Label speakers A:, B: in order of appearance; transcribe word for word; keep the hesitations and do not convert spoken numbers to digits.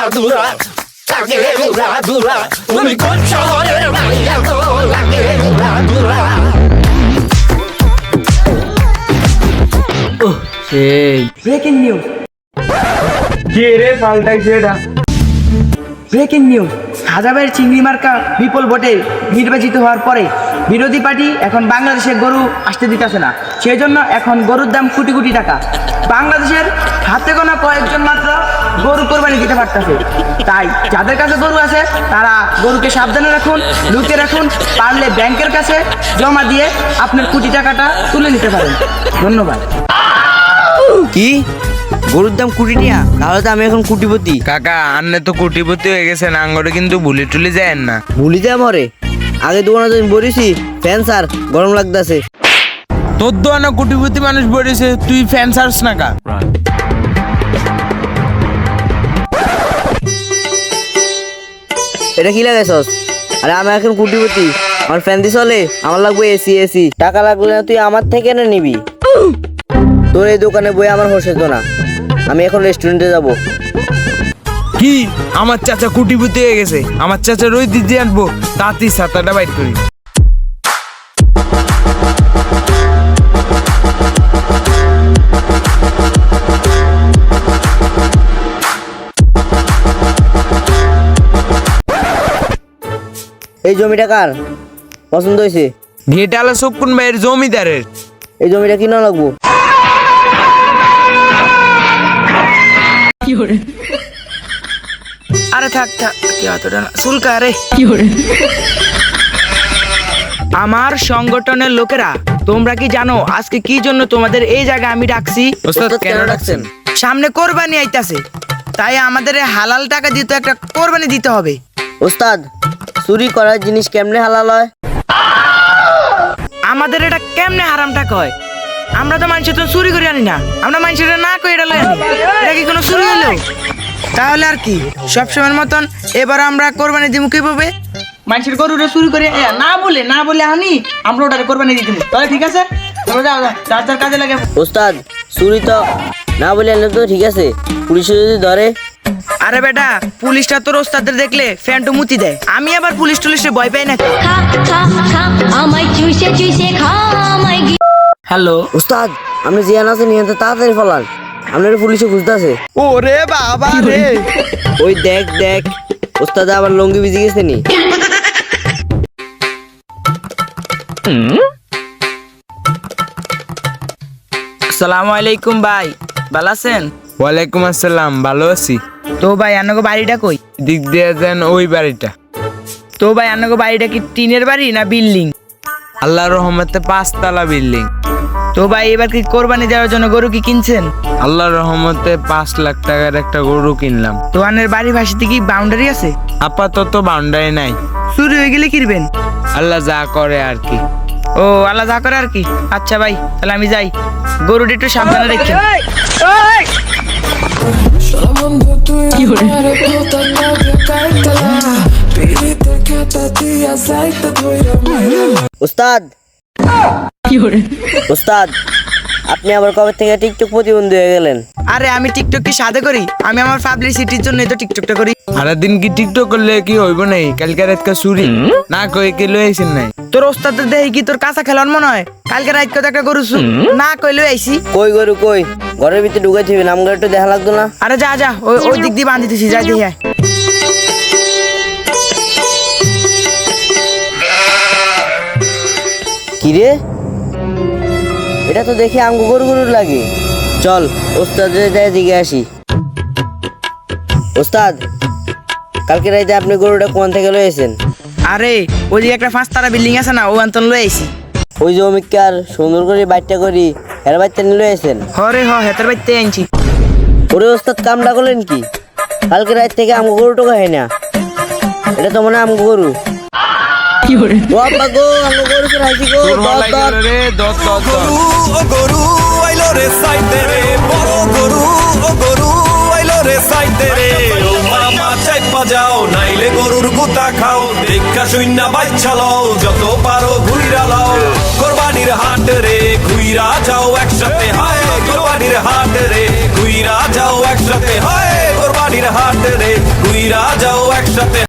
A: dura, লাগে উড়া দুরা, তুমি কোন শহরের মাইয়া গো, লাগে উড়া দুরা।
B: ওহ সেই
C: ব্রেকিং নিউজ
B: কে রে পাল্টাইছে এটা?
C: ব্রেকিং নিউজ হাজাবের চিংড়ি মার্কা বিপুল ভোটে নির্বাচিত হওয়ার পরে বিরোধী পার্টি এখন বাংলাদেশে গরু আসতে দিতেছে না, সেই জন্য এখন গরুর দাম কোটি কোটি টাকা। বাংলাদেশের হাতে গোনা কয়েকজন মাত্র গরু কোরবানি দিতে পারতেছে। তাই যাদের কাছে গরু আছে তারা গরুকে সাবধানে রাখুন, লুকে রাখুন, পারলে ব্যাংকের কাছে জমা দিয়ে আপনার কোটি টাকাটা তুলে নিতে পারেন। ধন্যবাদ।
D: কি গরুর দাম কোটি টিয়া? তাহলে তো আমি এখন কোটিপতি।
B: কাকা আন্নে তো কোটিপতি হয়ে গেছে, আঙ্গরে কিন্তু ভুলি টুলি যায় না।
D: ভুলি যায় মরে, আগে দোকানে তো বলেছি ফ্যান স্যার গরম লাগতেছে।
B: তোর দোকানে কোটিপতি মানুষ বলেছে, তুই ফ্যান সার্স না কা?
D: এটা কি লাগাইছস? আরে আমি এখন কোটিপতি, আমার ফ্যান দিয়ে চলে, আমার লাগবে এসি। এসি টাকা লাগলে না তুই আমার থেকে এনে নিবি। তোর এই দোকানে বই আমার হোসে তো না, আমি এখন রেস্টুরেন্টে যাব।
B: কি আমার চাচা কোটিপতি হয়ে গেছে? আমার চাচা রই দিদি আনবো, তাঁতি সাতাটা বাইট করি।
D: এই জমিটা কার পছন্দ হয়েছে?
B: ঘেটালা সকুন ভাইয়ের জমিদারের।
D: এই জমিটা কিনা লাগবো।
C: আরে থাক থাক, কি অতটা না, শুল্কা রে। আমার সংগঠনের লোকেরা, তোমরা কি জানো আজকে কি জন্য তোমাদের এই জায়গায় আমি ডাকছি?
B: ওস্তাদ কেন ডাকছেন?
C: সামনে কোরবানি আইতাছে, তাই আমাদের এই হালাল টাকা দিয়ে তো একটা কোরবানি দিতে হবে।
D: ওস্তাদ চুরি করার জিনিস কেমনে হালাল হয়?
C: আমাদের এটা কেমনে হারাম টাকা হয়? আমরা তো মানুষের তো চুরি করে আনি না, আমরা মানুষের না করে এটা লই আনি। এটা কি কোনো চুরি হলো? তাহলে আর কি, সবসময়ের মতন এবার আমরা কোরবানি দিব কিভাবে? মানুষের গরুটা চুরি করে এ, না বলে না বলে আনি, আমরা ওটারে কোরবানি দিয়ে দিব। তাহলে ঠিক আছে, তোমরা যাও যাও, যার যার কাজে লাগে।
D: ওস্তাদ চুরি তো না বলে আনলে তো ঠিক আছে, পুলিশে যদি ধরে?
C: আরে বেটা, পুলিশটা তোর ওস্তাদের দেখলে ফ্যান্টু মুতি দেয়, আমি আবার পুলিশ টুলিশে ভয় পাই না।
E: খা খা খা আমায় চুষে চুষে খা আমায় গি-
C: হ্যালো
D: ওস্তাদ আপনি জিয়ান আছেন নিয়ে তাড়াতাড়ি ফলান, আপনার পুলিশে খুঁজতেছে।
C: ওরে বাবা রে,
D: ওই দেখ দেখ ওস্তাদ আবার লঙ্গি ভিজে গেছে নি।
C: আসসালামু আলাইকুম ভাই, ভালো আছেন?
B: ওয়ালাইকুম আসসালাম, ভালো আছি।
C: তো ভাই আন্নাগো বাড়িটা কই?
B: দিক দিয়ে যান ওই বাড়িটা।
C: তো ভাই আন্নাগো বাড়িটা কি টিনের বাড়ি না বিল্ডিং?
B: আল্লাহর রহমতে পাঁচতলা বিল্ডিং।
C: তো ভাই এবার কি কোরবানি দেওয়ার জন্য গরু কি কিনছেন?
B: আল্লাহর রহমতে পাঁচ লাখ টাকার একটা গরু কিনলাম।
C: তো আন্নের বাড়ি ভাসিতে কি বাউন্ডারি আছে?
B: আপাতত বাউন্ডারি নাই,
C: চুরি হয়ে গেলে কিনবেন?
B: আল্লাহ যা করে আর কি।
C: ও আল্লাহ যা করে আর কি। আচ্ছা ভাই তাহলে আমি যাই, গরুটা একটু সাবধানে রেখে।
E: কি হরে
D: ওস্তাদ
E: কি হরে
D: ওস্তাদ আপনি আবার কবে থেকে টিকটক প্রতিবন্ধী হয়ে গেলেন?
C: আরে আমি টিকটক কি সাথে করি? আমি আমার পাবলিসিটির জন্য তো টিকটকটা করি।
B: সারাদিন কি টিকটক করলে কি হইব নাই? কালকে রাতকে চুরি না কই কি লই আইছেন নাই?
C: তোর ওস্তাদের দেখি কি তোর কাঁচা খেলার মনে হয়? কালকে রাত কত একটা গরু চুর না কইলে আইছি।
D: কই গরু কই? ঘরের ভিতরে ঢুকে থাকবে, নাম একটু দেখা লাগতো না?
C: আরে যা যা, ওই ওই দিক দিয়ে বাঁধিতেছি, যাই দেখি আয়।
D: কিরে এটা তো দেখে আমগো গরু গরু লাগে। চল ওস্তাদের যাই দিকে আসি। ওস্তাদ কালকে রাইতে আপনি গরুটা কোন থেকে লয়েছেন?
C: আরে ওইদিকে একটা পাঁচ তারা বিল্ডিং আছে না, ও আন্তন লই আইছি।
D: ওই জমিকার সুন্দর করে বাইটটা করি হের বাইটটা নিয়ে লয়েছেন?
C: হরে হ হেতার বাইতে আনছি।
D: ওরে ওস্তাদ কামটা করলেন কি? কালকে রাত থেকে আমগো গরু টোকা হয় না, এটা তো মনে হয় আমগো গরু।
E: কি হরে
D: ও আব্বা গো আমগো গরু তো রাইছি গো।
B: তোর
D: দর
B: হলাই
D: দর
B: গেল রে, দর দর দর।
F: ও গরু আইলো রে সাইতে রে, বড় গরু ও গরু আইলো রে সাইতে রে। ও মামা চাইপা যাও নাইলে গরুর গুতা খাও, দেখা শূন্য বাচ্চা লও যত পারো ঘুইরা লাও। কোরবানির হাট রে ঘুইরা যাও একসাথে, হায় কোরবানির হাট রে ঘুইরা যাও একসাথে, হায় কোরবানি হাট রে, ঘুইরা যাও একসাথে